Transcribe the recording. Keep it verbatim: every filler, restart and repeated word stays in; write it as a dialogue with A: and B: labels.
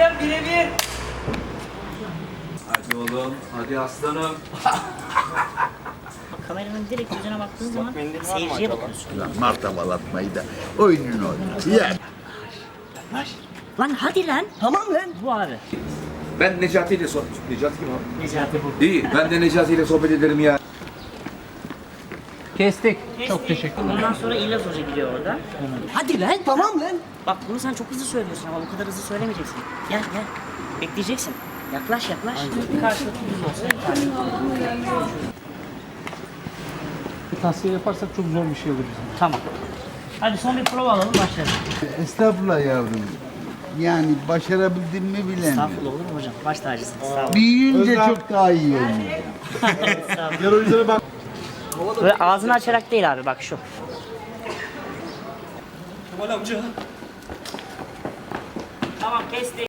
A: hocam birebir.
B: Hadi oğlum, hadi aslanım.
C: Kameranın direkt yüzüne baktığın zaman seyirciye bakıyorsun.
D: Lan martabalatmayı da oyununu oyna. Ya.
C: Lan hadi lan.
A: Tamam lan.
C: Bu abi.
B: Ben Necati ile sohbet... Necati kim abi?
C: Necati bu.
B: İyi, ben de Necati ile sohbet ederim ya.
A: Kestik.
C: Çok teşekkür ederim. Ondan sonra İlyas Hoca gidiyor orada.
A: Hadi lan. Tamam lan.
C: Bak bunu sen çok hızlı söylüyorsun ama bu kadar hızlı söylemeyeceksin. Gel gel. Bekleyeceksin. Yaklaş yaklaş. Karşılıklı düz olsa yeterli.
A: Tavsiye yaparsak çok zor bir şey olur bizim.
C: Tamam. Hadi son bir prova alalım başlayalım.
D: Estağfurullah yavrum. Yani başarabildim mi bilemiyorum.
C: Estağfurullah olur mu hocam? Baş tacısın. Sağ olun.
D: Büyüyünce çok daha iyi olacak.
C: Sağ olun. Böyle ağzını açarak değil abi bak şu.
A: Kemal amca.
C: Tamam kestik.